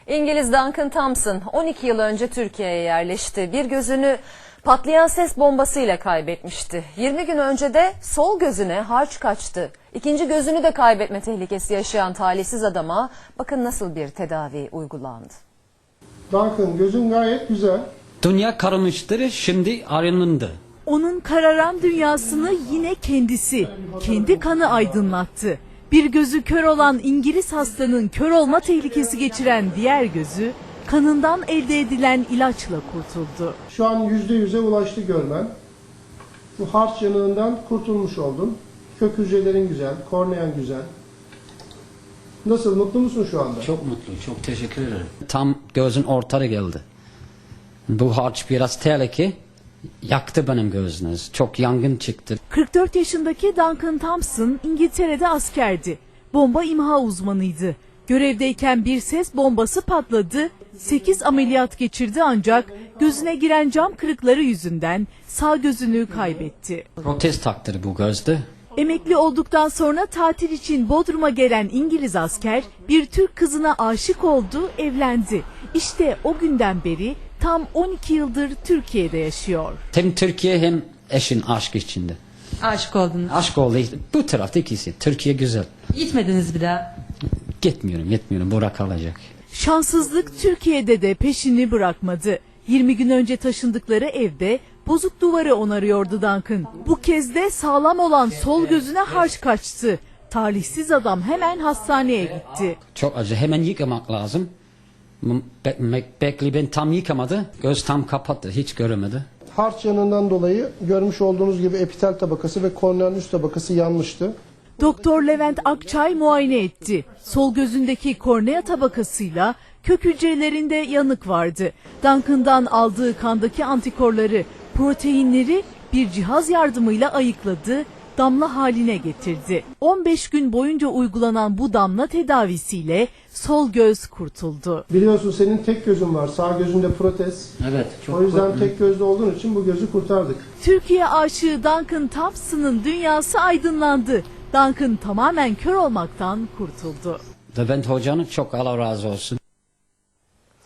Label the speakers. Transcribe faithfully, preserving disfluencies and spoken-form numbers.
Speaker 1: İngiliz Duncan Thompson on iki yıl önce Türkiye'ye yerleşti. Bir gözünü patlayan ses bombasıyla kaybetmişti. yirmi gün önce de sol gözüne harç kaçtı. İkinci gözünü de kaybetme tehlikesi yaşayan talihsiz adama bakın nasıl bir tedavi uygulandı.
Speaker 2: Duncan, gözün gayet güzel.
Speaker 3: Dünya kararmıştır, şimdi ayrılındı.
Speaker 4: Onun kararan dünyasını yine kendisi, kendi kanı aydınlattı. Bir gözü kör olan İngiliz hastanın kör olma tehlikesi geçiren diğer gözü, kanından elde edilen ilaçla kurtuldu.
Speaker 2: Şu an yüzde yüze ulaştı görmen. Bu harç yanığından kurtulmuş oldun. Kök hücrelerin güzel, kornean güzel. Nasıl, mutlu musun şu anda?
Speaker 3: Çok mutlu, çok teşekkür ederim. Tam gözün ortada geldi. Bu harç biraz tehlike, yaktı benim gözünüz. Çok yangın çıktı.
Speaker 4: kırk dört yaşındaki Duncan Thompson İngiltere'de askerdi. Bomba imha uzmanıydı. Görevdeyken bir ses bombası patladı, sekiz ameliyat geçirdi ancak gözüne giren cam kırıkları yüzünden sağ gözünü kaybetti.
Speaker 3: Protez taktırdı bu gözde.
Speaker 4: Emekli olduktan sonra tatil için Bodrum'a gelen İngiliz asker bir Türk kızına aşık oldu, evlendi. İşte o günden beri tam on iki yıldır Türkiye'de yaşıyor.
Speaker 3: Hem Türkiye hem eşin aşk içinde.
Speaker 5: Aşık oldunuz.
Speaker 3: Aşk oldu. Bu tarafta ikisi. Türkiye güzel.
Speaker 5: Gitmediniz bir daha.
Speaker 3: Gitmiyorum, gitmiyorum. Bura kalacak.
Speaker 4: Şanssızlık Türkiye'de de peşini bırakmadı. yirmi gün önce taşındıkları evde bozuk duvarı onarıyordu Duncan. Bu kez de sağlam olan sol gözüne harç kaçtı. Talihsiz adam hemen hastaneye gitti.
Speaker 3: Çok acı. Hemen yıkamak lazım. Be be Bekli ben tam yıkamadı. Göz tam kapattı. Hiç göremedi.
Speaker 2: Harç yanığından dolayı görmüş olduğunuz gibi epitel tabakası ve korneanın üst tabakası yanmıştı.
Speaker 4: Doktor Levent Akçay muayene etti. Sol gözündeki kornea tabakasıyla kök hücrelerinde yanık vardı. Duncan'dan aldığı kandaki antikorları, proteinleri bir cihaz yardımıyla ayıkladı, damla haline getirdi. on beş gün boyunca uygulanan bu damla tedavisiyle sol göz kurtuldu.
Speaker 2: Biliyorsun senin tek gözün var, sağ gözünde protez.
Speaker 3: Evet. Çok
Speaker 2: O yüzden tek gözlü olduğun için bu gözü kurtardık.
Speaker 4: Türkiye aşığı Duncan Thompson'ın dünyası aydınlandı. Duncan tamamen kör olmaktan kurtuldu.
Speaker 3: Levent Hoca'nın çok Allah razı olsun.